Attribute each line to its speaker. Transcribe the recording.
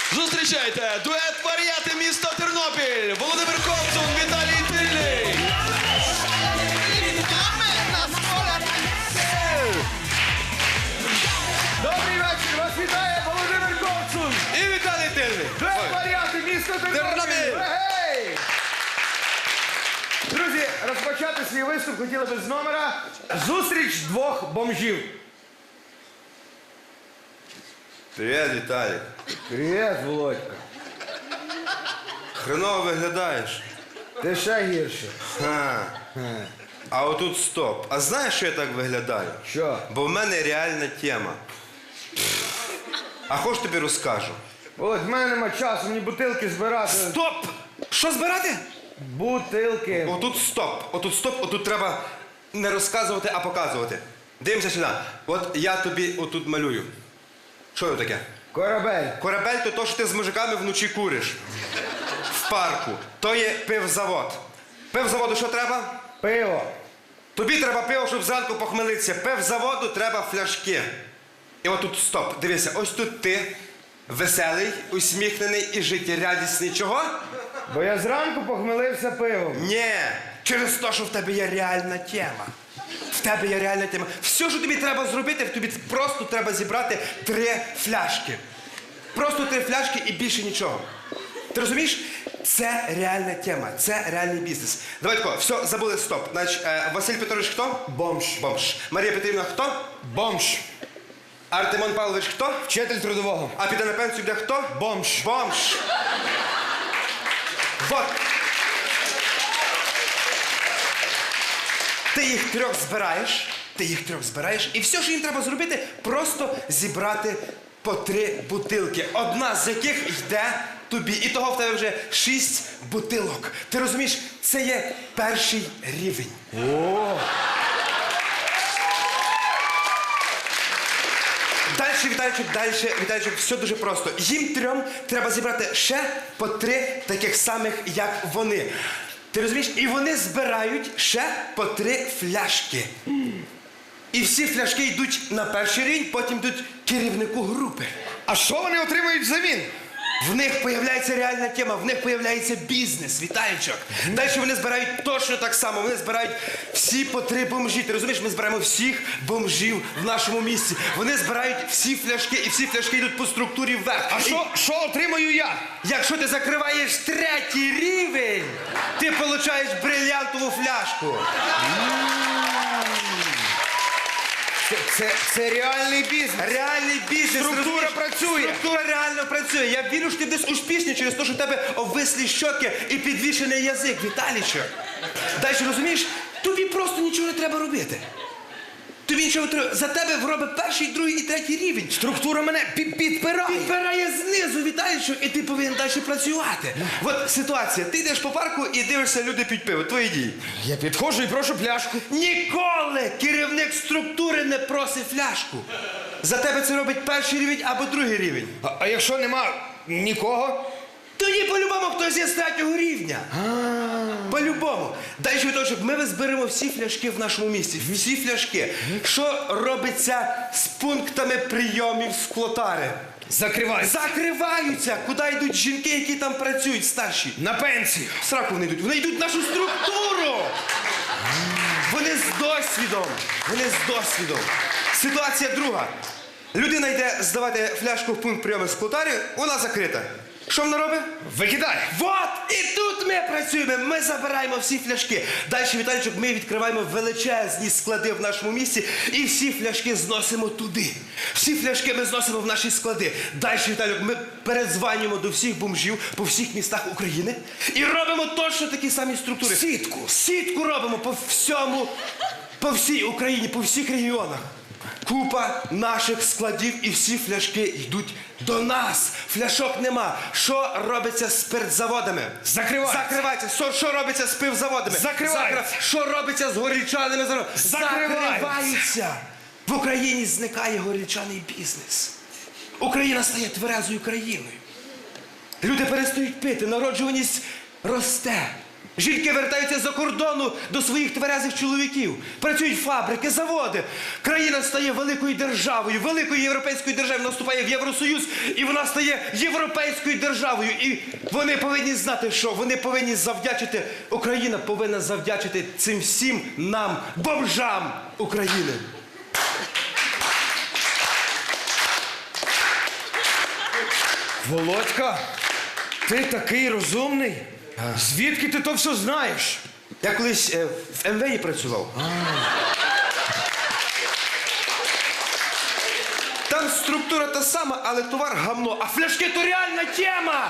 Speaker 1: Зустрічайте, дует «Варіати» місто Тернопіль, Володимир Ковтун, Віталій Тильний.
Speaker 2: Добрий вечір, вас вітає Володимир Ковтун.
Speaker 1: І Віталій Тильний.
Speaker 2: Дует «Варіати» місто Тернопіль. Гей! Друзі, розпочати свій виступ хотіли би з номера «Зустріч двох бомжів».
Speaker 3: Привіт, Віталік.
Speaker 2: Привіт, Володька.
Speaker 3: Хреново виглядаєш.
Speaker 2: Ти ще гірше.
Speaker 3: Ха. А отут стоп. А знаєш, що я так виглядаю?
Speaker 2: Що?
Speaker 3: Бо в мене реальна тема. А хоч тобі розкажу.
Speaker 2: Володь, в мене нема часу, мені бутилки збирати.
Speaker 3: Стоп! Що збирати?
Speaker 2: Бутилки.
Speaker 3: Отут стоп. Отут стоп. Отут треба не розказувати, а показувати. Дивимося сюди. От я тобі отут малюю. Що це таке?
Speaker 2: Корабель.
Speaker 3: Корабель то то, що ти з мужиками вночі куриш. В парку. То є пивзавод. Пивзаводу що треба?
Speaker 2: Пиво.
Speaker 3: Тобі треба пиво, щоб зранку похмелитися. Пивзаводу треба фляшки. І отут стоп. Дивися, ось тут ти веселий, усміхнений і життєрадісний. Чого?
Speaker 2: Бо я зранку похмелився пивом.
Speaker 3: Ні. Через те, що в тебе є реальна тема. В тебе є реальна тема. Все, що тобі треба зробити, тобі просто треба зібрати 3 фляшки. Просто 3 фляшки і більше нічого. Ти розумієш? Це реальна тема, це реальний бізнес. Давай тако, все, забули, стоп. Значить, Василь Петрович хто?
Speaker 2: Бомж.
Speaker 3: Бомж. Марія Петрівна хто?
Speaker 2: Бомж.
Speaker 3: Артемон Павлович хто?
Speaker 2: Вчитель трудового.
Speaker 3: А піде на пенсію де хто?
Speaker 2: Бомж.
Speaker 3: Бомж. Вот. Ти їх 3 збираєш, і все, що їм треба зробити, просто зібрати по 3 бутилки. Одна з яких йде тобі. І того в тебе вже 6 бутилок. Ти розумієш, це є перший рівень.
Speaker 2: О!
Speaker 3: Дальше, Віталійчик, все дуже просто. Їм 3 треба зібрати ще по 3 таких самих, як вони. Ти розумієш? І вони збирають ще по 3 фляшки. І всі фляшки йдуть на перший рівень, потім йдуть керівнику групи.
Speaker 2: А що вони отримують взамін?
Speaker 3: В них появляється реальна тема, в них появляється бізнес, Віталійчик. Далі вони збирають точно так само, вони збирають всі по 3 бомжі. Ти розумієш, ми збираємо всіх бомжів в нашому місті. Вони збирають всі фляшки, і всі фляшки йдуть по структурі вверх.
Speaker 2: А що отримаю я?
Speaker 3: Якщо ти закриваєш 3-й рівень, ти отримуєш брильянтову фляжку.
Speaker 2: Це реальний бізнес.
Speaker 3: Реальний бізнес.
Speaker 2: Структура працює.
Speaker 3: Структура реально працює. Я вірю, що ти десь успішний через те, що в тебе обвислі щоки і підвішений язик, Віталійчик. Далі, розумієш, тобі просто нічого не треба робити. Тобі нічого не треба. За тебе робить 1-й, 2-й і 3-й рівень.
Speaker 2: Структура мене підпирає.
Speaker 3: Підбирає знизу, Віталійчик, і ти повинен далі працювати. От ситуація. Ти йдеш по парку і дивишся, люди п'ють пиво. Твої дії.
Speaker 2: Я підходжу і прошу пляшку.
Speaker 3: Ніколи керівник структури не просить фляжку. За тебе це робить 1-й рівень або 2-й рівень.
Speaker 2: А якщо нема нікого?
Speaker 3: Тоді по-любому хтось є з 3-го рівня. По-любому. Далі, Віталійчик, ми зберемо всі фляшки в нашому місті. Всі фляшки. Що робиться з пунктами прийомів склотари?
Speaker 2: Закривайся.
Speaker 3: Закриваються. Куди йдуть жінки, які там працюють, старші?
Speaker 2: На пенсію.
Speaker 3: В сраку вони йдуть. Вони йдуть в нашу структуру. Вони з досвідом. Вони з досвідом. Ситуація друга. Людина йде здавати фляжку в пункт прийому склотарі, вона закрита. Що вона робить?
Speaker 2: Викидай.
Speaker 3: Вот! І тут ми працюємо, ми забираємо всі фляшки. Далі, Віталійчик, ми відкриваємо величезні склади в нашому місті і всі фляшки зносимо туди. Всі фляшки ми зносимо в наші склади. Далі, Віталійчик, ми передзванюємо до всіх бомжів по всіх містах України і робимо точно такі самі структури.
Speaker 2: Сітку.
Speaker 3: Сітку робимо по всьому, по всій Україні, по всіх регіонах. Купа наших складів і всі фляшки йдуть до нас. Фляшок нема. Що робиться з спиртзаводами?
Speaker 2: Закриваються.
Speaker 3: Закриваються. Що робиться з пивзаводами?
Speaker 2: Закриваються.
Speaker 3: Що робиться з горілчаними заводами? Закриваються. В Україні зникає горілчаний бізнес. Україна стає тверезою країною. Люди перестають пити, народжуваність росте. Жінки вертаються за кордону до своїх тверезих чоловіків. Працюють фабрики, заводи. Країна стає великою державою, великою європейською державою. Вона вступає в Євросоюз, і вона стає європейською державою. І вони повинні знати, що вони повинні завдячити, Україна повинна завдячити цим всім нам, бомжам України.
Speaker 2: Володька, ти такий розумний. Звідки ти то все знаєш?
Speaker 3: Я колись в МВІ працював. Там структура та сама, але товар гамно. А фляшки то реальна тема!